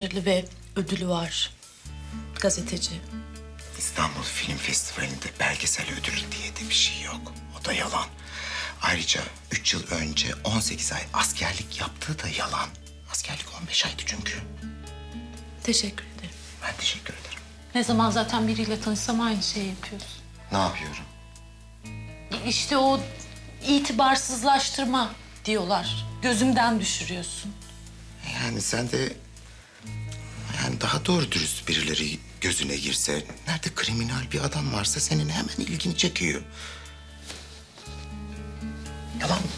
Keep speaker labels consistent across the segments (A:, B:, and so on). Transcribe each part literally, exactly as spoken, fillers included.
A: başarılı ve ödülü var. Gazeteci.
B: İstanbul Film Festivali'nde belgesel ödülü diye de bir şey yok. O da yalan. Ayrıca üç yıl önce on sekiz ay askerlik yaptığı da yalan. Askerlik on beş aydı çünkü.
A: Teşekkür ederim.
B: Ben teşekkür ederim.
A: Ne zaman zaten biriyle tanışsam aynı şeyi yapıyorsun.
B: Ne yapıyorum?
A: İşte o itibarsızlaştırma diyorlar. Gözümden düşürüyorsun.
B: Yani sen de... Yani daha doğru dürüst birileri gözüne girse... Nerede kriminal bir adam varsa senin hemen ilgini çekiyor. Yalan mı?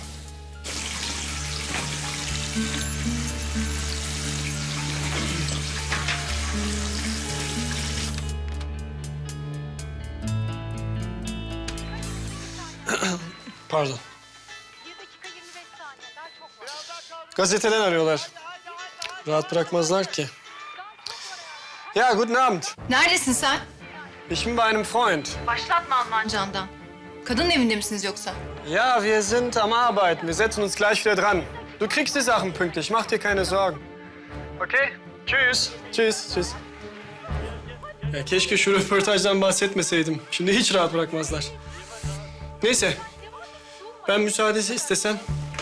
C: Pardon. Gazeteden arıyorlar. Rahat bırakmazlar ki. Ja, guten Abend.
D: Neredesin sen?
C: Ich bin bei einem Freund.
D: Başlatma Almancandan. Kadın evinde misiniz yoksa?
C: Ja, wir sind am Arbeiten. Wir setzen uns gleich wieder dran. Du kriegst die Sachen pünktlich. Mach dir keine Sorgen. Okay? Tschüss. Tschüss. Tschüss. Ya keşke şu röportajdan bahsetmeseydim. Şimdi hiç rahat bırakmazlar. Neyse. Ben müsaadesi istesem.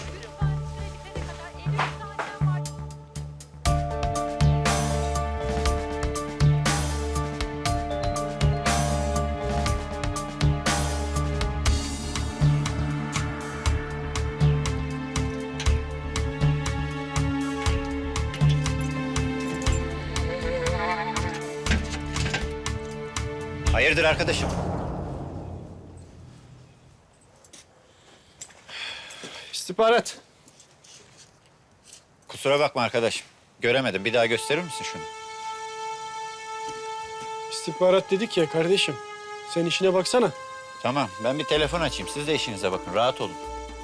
E: Hayırdır arkadaşım?
C: İstihbarat.
E: Kusura bakma arkadaşım. Göremedim. Bir daha gösterir misin şunu?
C: İstihbarat dedik ya kardeşim. Sen işine baksana.
E: Tamam. Ben bir telefon açayım. Siz de işinize bakın. Rahat olun.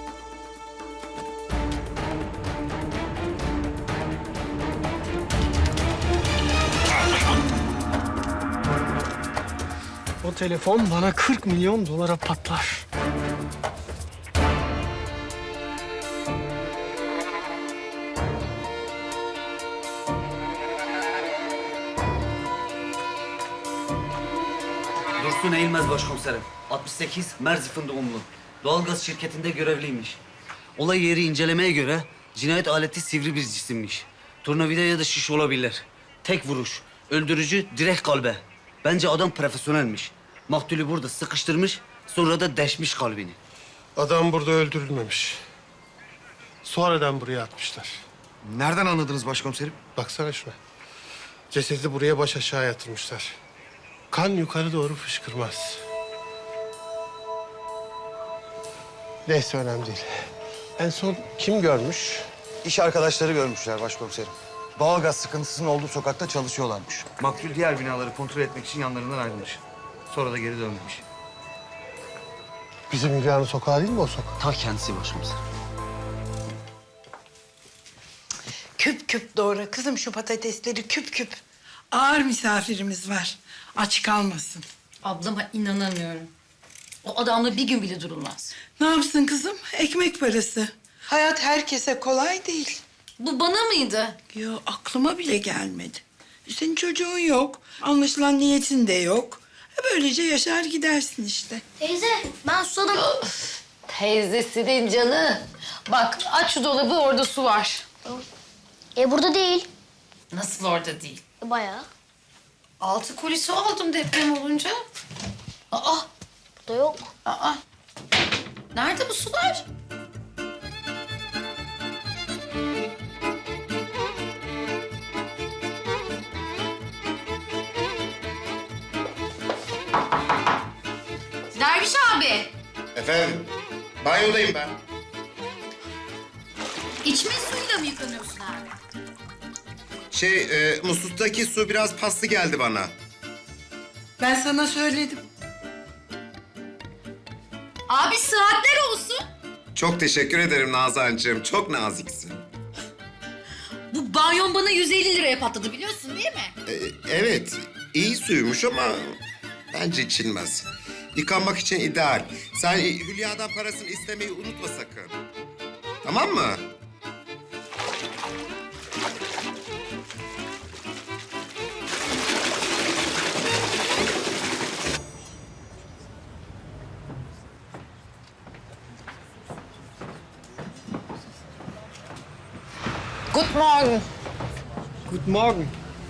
C: O telefon bana kırk milyon dolara patlar.
F: Dursun Eğilmez başkomiserim. altmış sekiz Merzifon doğumlu. Doğalgaz şirketinde görevliymiş. Olay yeri incelemeye göre cinayet aleti sivri bir cisimmiş. Tornavida ya da şiş olabilir. Tek vuruş. Öldürücü direkt kalbe. Bence adam profesyonelmiş. Maktulü burada sıkıştırmış, sonra da deşmiş kalbini.
G: Adam burada öldürülmemiş. Sonradan buraya atmışlar.
H: Nereden anladınız başkomiserim?
G: Baksana şuna. Cesedi buraya baş aşağı yatırmışlar. Kan yukarı doğru fışkırmaz. Neyse önemli değil. En son kim görmüş?
H: İş arkadaşları görmüşler başkomiserim. Doğalgaz sıkıntısının olduğu sokakta çalışıyorlarmış. Maktul diğer binaları kontrol etmek için yanlarından ayrılmış. Sonra da geri dönmemiş.
G: Bizim Hülya'nın sokağı değil mi o sokak?
F: Ta kendisi başkomiserim.
I: Küp küp doğra kızım şu patatesleri küp küp. Ağır misafirimiz var. Aç kalmasın.
A: Ablama inanamıyorum. O adamla bir gün bile durulmaz.
I: Ne yapsın kızım? Ekmek parası. Hayat herkese kolay değil.
A: Bu bana mıydı?
I: Yo aklıma bile gelmedi. Senin çocuğun yok. Anlaşılan niyetin de yok. E, Böylece yaşar gidersin işte.
J: Teyze ben susadım.
A: Teyzesinin canı. Bak aç şu dolabı, orada su var.
J: E burada değil.
A: Nasıl orada değil?
J: E, bayağı.
A: Altı koli su aldım deprem olunca. Aa,
J: Burada yok.
A: aa. Nerede bu sular? Derviş abi.
B: Efendim? Banyodayım ben.
A: İçme suyuyla mı yıkanıyorsun abi?
B: Şey, e, musluktaki su biraz paslı geldi bana.
I: Ben sana söyledim.
A: Abi saatler olsun.
B: Çok teşekkür ederim Nazancığım. Çok naziksin.
A: Bu banyon bana yüz elli liraya patladı biliyorsun değil mi?
B: E, evet, iyi suymuş ama bence içilmez. Yıkanmak için ideal. Sen Hülya'dan parasını istemeyi unutma sakın. Tamam mı?
A: Good morning.
C: Guten Morgen.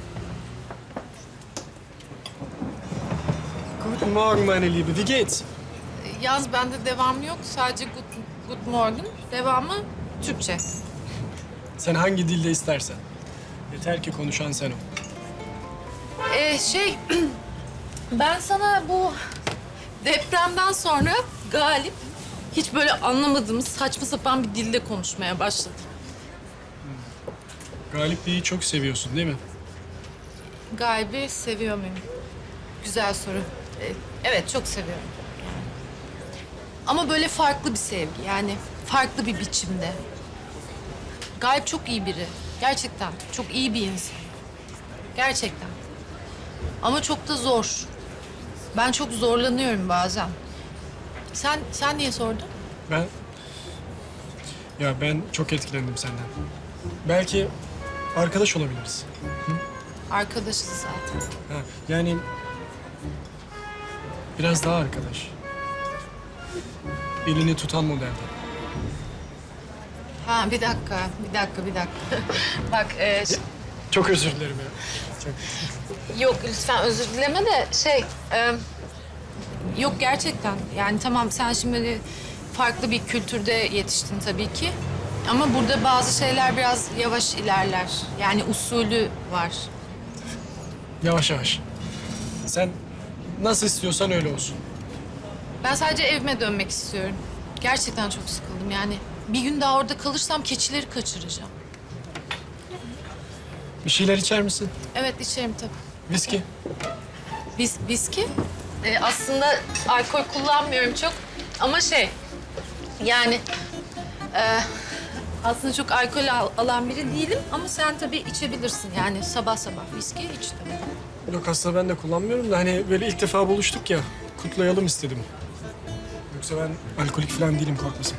C: Guten Morgen meine Liebe. Wie geht's?
K: Yaz bende devamı yok. Sadece good, good morning. Devamı Türkçe.
C: Sen hangi dilde istersen. Yeter ki konuşan sen ol.
K: Ee, şey, ben sana bu depremden sonra Galip hiç böyle anlamadığımız saçma sapan bir dilde konuşmaya başladı.
C: Galip Bey'i çok seviyorsun değil mi?
K: Galip'i seviyor muyum? Güzel soru. Ee, evet, çok seviyorum. Ama böyle farklı bir sevgi, yani farklı bir biçimde. Galip çok iyi biri. Gerçekten çok iyi bir insan. Gerçekten. Ama çok da zor. Ben çok zorlanıyorum bazen. Sen sen niye sordun?
C: Ben... Ya ben çok etkilendim senden. Belki arkadaş olabiliriz.
K: Arkadaşız zaten.
C: Ha, yani... Biraz daha arkadaş. Elini tutan modelde.
K: Ha bir dakika, bir dakika, bir dakika. Bak e, ş-
C: Çok özür dilerim ya. Çok...
K: yok lütfen özür dileme de şey... e, yok gerçekten. Yani tamam sen şimdi farklı bir kültürde yetiştin tabii ki. Ama burada bazı şeyler biraz yavaş ilerler. Yani usulü var.
C: Yavaş yavaş. Sen nasıl istiyorsan öyle olsun.
K: Ben sadece evime dönmek istiyorum. Gerçekten çok sıkıldım yani. Bir gün daha orada kalırsam keçileri kaçıracağım.
C: Bir şeyler içer misin?
K: Evet içerim tabii.
C: Viski.
K: Vis, viski? Ee, aslında alkol kullanmıyorum çok ama şey yani e, aslında çok alkol al- alan biri değilim ama sen tabii içebilirsin yani sabah sabah viski iç tabii.
C: Yok aslında ben de kullanmıyorum da hani böyle ilk defa buluştuk ya. Kutlayalım istedim. Yoksa ben alkolik falan değilim, korkma sakın.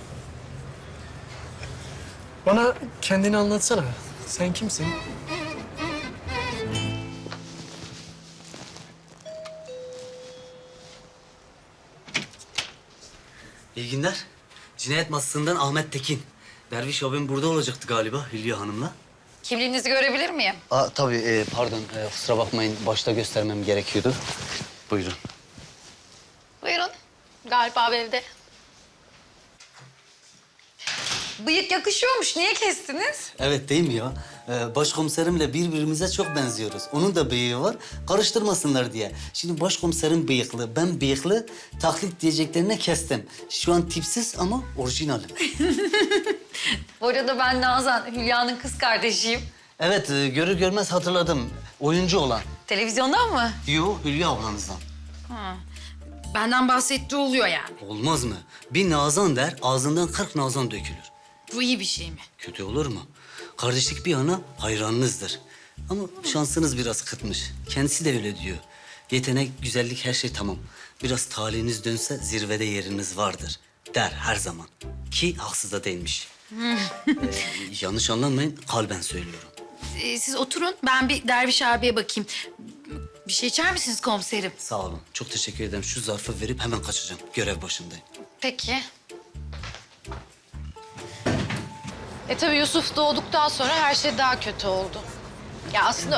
C: Bana kendini anlatsana. Sen kimsin?
F: İyi günler. Cinayet masasından Ahmet Tekin. Derviş abim burada olacaktı galiba Hülya Hanım'la.
A: Kimliğinizi görebilir miyim?
F: Aa, tabii e, pardon e, kusura bakmayın başta göstermem gerekiyordu. Buyurun.
A: Buyurun. Galip abi evde. Bıyık yakışıyormuş. Niye kestiniz?
F: Evet değil mi ya? Ee, başkomiserimle birbirimize çok benziyoruz. Onun da bıyığı var. Karıştırmasınlar diye. Şimdi başkomiserim bıyıklı, ben bıyıklı. Taklit diyeceklerine kestim. Şu an tipsiz ama orijinalim.
A: Bu arada ben Nazan, Hülya'nın kız kardeşiyim.
F: Evet, e, görür görmez hatırladım. Oyuncu olan.
A: Televizyondan mı?
F: Yo, Hülya ablanızdan.
A: Benden bahsettiği oluyor yani.
F: Olmaz mı? Bir nazan der, ağzından kırk nazan dökülür.
A: Bu iyi bir şey mi?
F: Kötü olur mu? Kardeşlik bir yana hayranınızdır. Ama şansınız biraz kıtmış. Kendisi de öyle diyor. Yetenek, güzellik her şey tamam. Biraz talihiniz dönse zirvede yeriniz vardır der her zaman. Ki haksız da değilmiş. Ee, yanlış anlamayın, kalben söylüyorum.
A: Ee, siz oturun. Ben bir Derviş abiye bakayım. Bir şey içer misiniz komiserim?
F: Sağ olun. Çok teşekkür ederim. Şu zarfı verip hemen kaçacağım. Görev başındayım.
A: Peki.
K: E tabii Yusuf doğduktan sonra her şey daha kötü oldu. Ya aslında